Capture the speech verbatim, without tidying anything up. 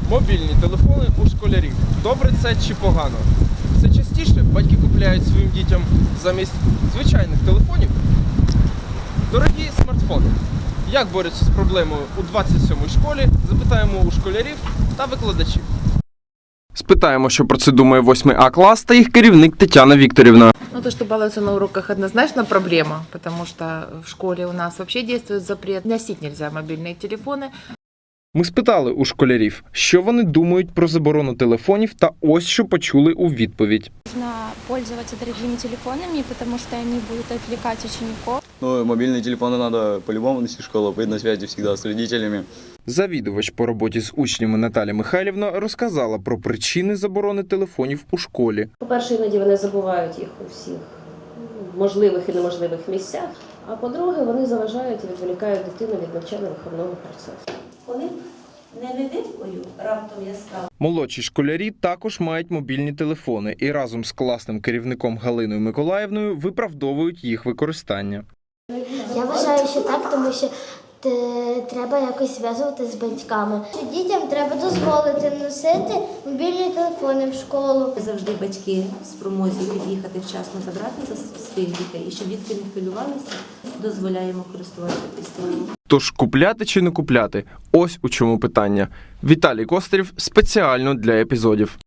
Мобільні телефони у школярів. Добре це чи погано? Все частіше батьки купляють своїм дітям замість звичайних телефонів дорогі смартфони. Як борються з проблемою у двадцять сьомій школі, запитаємо у школярів та викладачів. Спитаємо, що про це думає восьмий А клас та їх керівник Тетяна Вікторівна. Ну, то, что балуются на уроках, однозначно проблема, потому что в школе у нас вообще действует запрет. Носить нельзя мобильные телефоны. Ми спитали у школярів, що вони думають про заборону телефонів, та ось що почули у відповідь. Нужно пользоваться дорогими телефонами, потому что они будут отвлекать учеников. Ну, мобильные телефоны надо по-любому носить в школу, быть на связи всегда с родителями. Завідувач по роботі з учнями Наталя Михайлівна розказала про причини заборони телефонів у школі. По-перше, іноді вони забувають їх у всіх можливих і неможливих місцях, а по-друге, вони заважають і відволікають дитину від навчально-виховного процесу. Коли б не невидимкою раптом я стала. Молодші школярі також мають мобільні телефони і разом з класним керівником Галиною Миколаївною виправдовують їх використання. Я вважаю, що так, тому що треба якось зв'язувати з батьками. Дітям треба дозволити носити мобільні телефони в школу. Завжди батьки в спромозі під'їхати вчасно забрати за своїх дітей. І щоб дітки не хвилювалися, дозволяємо користуватися пристроєм. Тож купляти чи не купляти? Ось у чому питання. Віталій Кострів спеціально для епізодів.